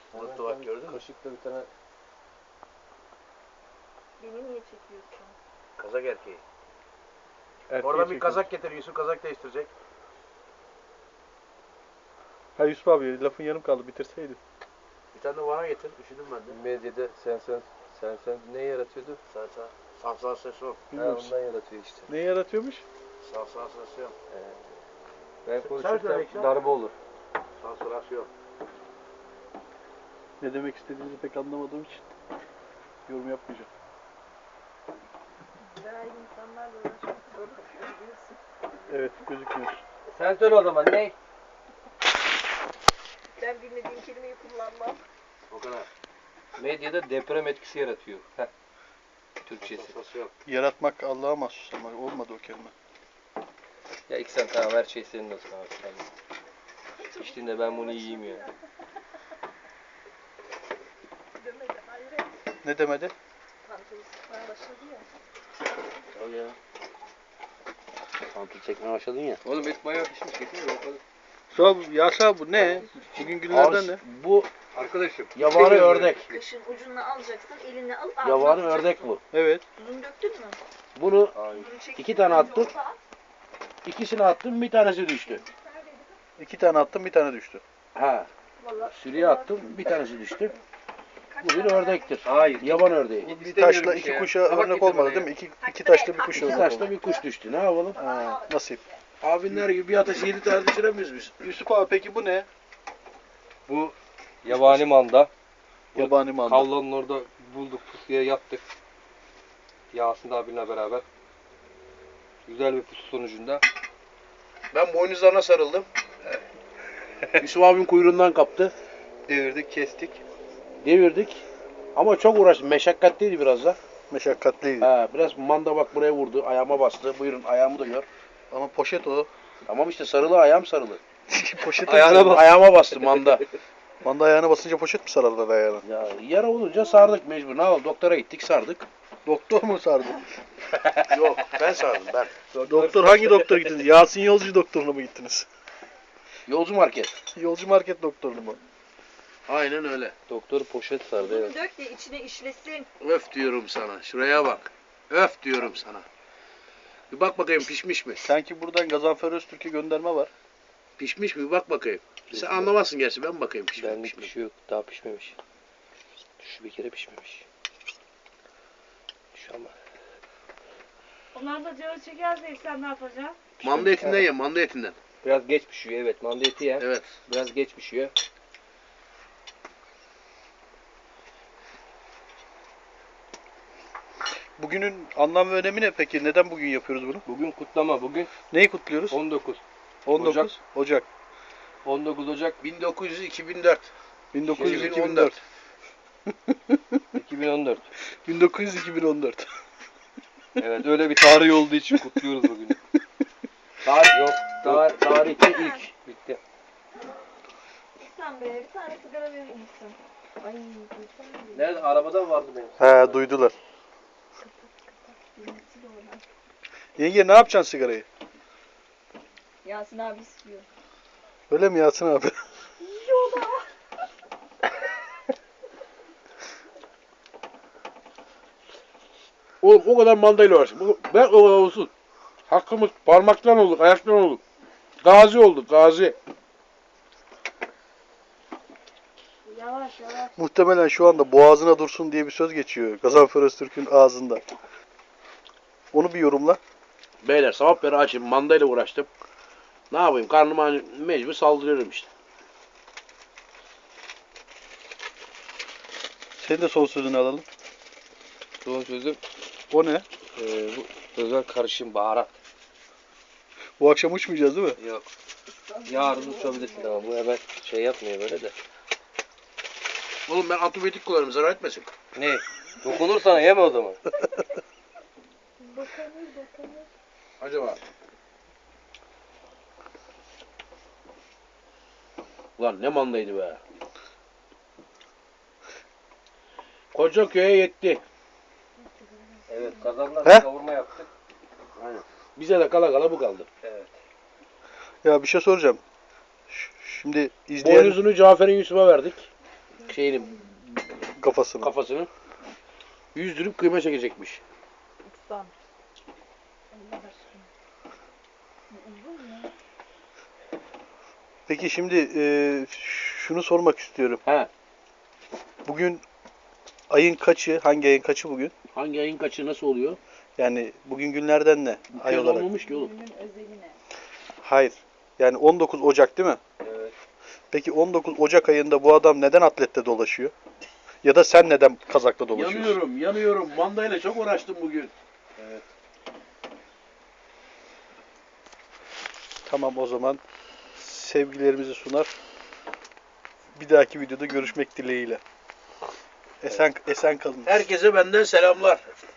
Unuttu bak, gördün mü? Kaşıkla bir tane. Beni niye çekiyorsun? Kazak erkeği. Erkeği Oradan bir çekiyor. kazak getir, Yusuf kazak değiştirecek. Ha Yusuf abi lafın yarım kaldı, bitirseydin. Bir tane de bana getir, üşüdüm ben de. Medyada sen ne yaratıyordu? Sansasyon. Ha, Bilmiyoruz. ondan yaratıyor işte. Ne yaratıyormuş? Sansasyon. Ben Sen konuşursam söyle işte. darbe olur. Sansasyon. Ne demek istediğinizi pek anlamadığım için yorum yapmayacağım. Cahil insanlarla uğraşmak zor oluyor biliyorsun. Evet, gözükmüyor. Sen söyle o zaman ne? Ben bilmediğim kelimeyi kullanmam. O kadar. Medyada deprem etkisi yaratıyor. Heh. Türkçesi. Sansasyon. Yaratmak Allah'a mahsus ama olmadı o kelime. Ya İksen tamam her şey senin olsun abi. Tamam. İçtiğinde ben bunu yiyeyim ya. Demedi hayret. Ne demedi? Pantolonu sıkmaya başladı ya. Al ya. Pantol çekmeye başladın ya. Oğlum et bayağı pişmiş. Getirin bakalım. Yasa bu ne? Bugün günlerden ne? Bu Arkadaşım. yabani ördek. Kaşın ucunu alacaksın, eline alıp ağzına Yabani atacaksın. ördek bu. Evet. Tuzunu döktün mü? Bunu Hayır. Tuzunu çektin, 2 tane önce attım. orada at. İkisini attım, bir tanesi düştü. 2 tane attım, bir tane düştü. Ha. Vallahi Sürüye attım, bir tanesi düştü. kaç Bu bir tane ördektir. Hayır. Yaban ördeği. Bir İstemiyorum taşla bir iki şey ya. kuşa Tabak örnek getir bana olmadı değil ya. mi? İki taşla bir kuş İki örnek taşla oldu. bir kuş düştü. Ne yapalım? Ha, nasip. Abinler gibi bir ateş 7 tane düşüremiyoruz biz. Yusuf abi peki bu ne? Bu yabani manda. Yabani manda. Kavlanın orada bulduk, pusuya yattık. Yasin abinle beraber. Güzel bir pusu sonucunda. Ben boynuzlarına sarıldım. Yusuf abim kuyruğundan kaptı. Devirdik, kestik. Devirdik. Ama çok uğraştım. Meşakkatliydi biraz da. Meşakkatliydi. Ha, biraz manda bak buraya vurdu. Ayağıma bastı. Buyurun ayağımı da gör. Ama poşet o. Tamam işte sarılı, ayağım sarılı. Poşet Ayağına bak. Ayağıma bastı manda. Manda ayağına basınca poşet mi sararlar ayağına? Ya yara olunca sardık mecbur. Ne oldu? Doktora gittik, sardık. Doktor mu sardı? Yok, ben sardım ben. Doktor hangi doktor gittiniz? Yasin Yolcu doktoruna mı gittiniz? Yolcu market. Yolcu market doktoruna mı? Aynen öyle. Doktor poşet sardı. Tuzunu Evet. dök de içine işlesin. Öf diyorum sana. Şuraya bak. Öf diyorum sana. Bir bak bakayım pişmiş mi? Sanki buradan Gazanfer Öztürk'e gönderme var. Pişmiş mi? Bir bak bakayım. Sen anlamazsın gerçi. Ben bakayım pişmiş Benlik mi? bir şey yok. Daha pişmemiş. Şu bir kere pişmemiş. Şu ama. Onlar da canı çekerse sen ne yapacaksın? Manda etinden ye, manda etinden. Biraz geç pişiyor evet. Manda eti ya. Evet. Biraz geç pişiyor. Bugünün anlam ve önemi ne peki? Neden bugün yapıyoruz bunu? Bugün kutlama. Bugün Neyi kutluyoruz? 19. 19 Ocak. 19 Ocak 1900-2004. 1900-2004. 2014. 1900-2014. Evet öyle bir tarih olduğu için kutluyoruz bugünü. Tarih Yok. tarihte ilk. Bitti. İhsan Bey bir tane sigara verir misin? Ay İhsan Bey. Nerede? Arabada mı vardı benim? He duydular. Bilmesi de oradan. Yenge ne yapacaksın sigarayı? Yasin abi istiyor. Öyle mi Yasin abi? Oğlum o kadar mandayla uğraştım. Ben o kadar olsun. Hakkımız parmaktan olduk, ayaktan olduk. Gazi olduk, gazi. Yavaş yavaş. Muhtemelen şu anda boğazına dursun diye bir söz geçiyor Gazanfer Öztürk'ün ağzında. Onu bir yorumla. Beyler sabah beri açım, mandayla uğraştım. Ne yapayım? Karnıma mecbur saldırıyorum işte. Senin de son sözünü alalım. Son sözüm O ne? bu özel karışım baharat. Bu akşam uçmayacağız değil mi? Yok. Yarın uçabilirsin ama bu hemen şey yapmıyor böyle de. Oğlum ben antibiyotik kullanırım, zarar etmesin. Ne? Dokunur sana yeme o zaman. Bakanır. Acaba? Ulan ne mandaydı be. Koca köye yetti. Evet kazandan He? kavurma yaptık. Aynen. Bize de kala kala bu kaldı. Evet. Ya bir şey soracağım. Şimdi izleyen... Boynuzunu Cafer'in Yusuf'a verdik. şeyini, Kafasını. kafasını yüzdürüp kıyma çekecekmiş. Usta. Allah aşkına. Bu uzun mu? Peki şimdi şunu sormak istiyorum. He. Bugün ayın kaçı? Hangi ayın kaçı bugün? Hangi ayın kaçı nasıl oluyor? Yani bugün günlerden ne? Bu Ay kez olarak. olmamış ki oğlum. Günün özeline. Hayır. Yani 19 Ocak değil mi? Evet. Peki 19 Ocak ayında bu adam neden atlette dolaşıyor? Ya da sen neden kazakla dolaşıyorsun? Yanıyorum. Mandayla çok uğraştım bugün. Tamam o zaman sevgilerimizi sunar. Bir dahaki videoda görüşmek dileğiyle. Esen kalın. Herkese benden selamlar.